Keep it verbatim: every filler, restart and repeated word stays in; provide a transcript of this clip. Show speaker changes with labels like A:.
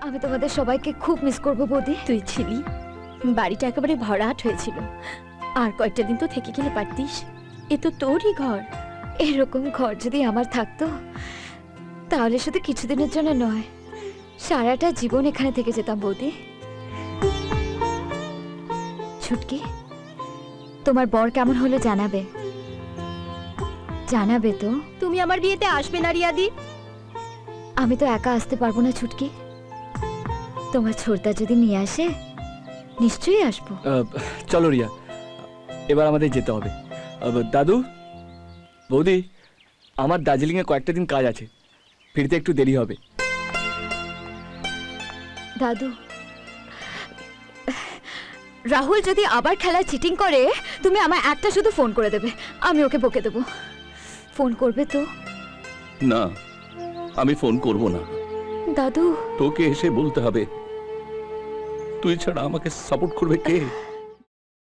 A: আমি তোমাদের সবাইকে খুব মিস করব বৌদি।
B: তুই ছিলি, বাড়িটা একেবারে ভরাট হয়েছিল। আর কয়েকটা দিন তো থেকে গেলে পারতিস, এ তো তোরই ঘর।
A: এরকম ঘর যদি আমার থাকতো তাহলে শুধু কিছুদিনের জন্য নয়, সারাটা জীবন এখানে থেকে যেতাম বৌদি। ছুটকি, তোমার বর কেমন হলো জানাবে, জানাবে তো।
B: তুমি আমার বিয়েতে আসবে না রিয়াদি?
A: আমি তো একা আসতে পারবো না ছুটকি, তোমার ছোটদা যদি নিয়ে আসে নিশ্চয়ই আসবো।
C: চলো রিয়া, এবার আমাদের যেতে হবে। দাদু, বৌদি, আমার দার্জিলিংয়ে কয়েকটা দিন কাজ আছে, ফিরতে একটু দেরি হবে।
A: দাদু, রাহুল যদি আবার খেলায় চিটিং করে তুমি আমায় একটা শুধু ফোন করে দেবে, আমি ওকে বকে দেবো। ফোন করবে তো?
D: না, আমি ফোন করব না।
A: দাদু,
D: তোকে এসে বলতে হবে। তুই ছাড়া আমাকে সাপোর্ট করবে কে?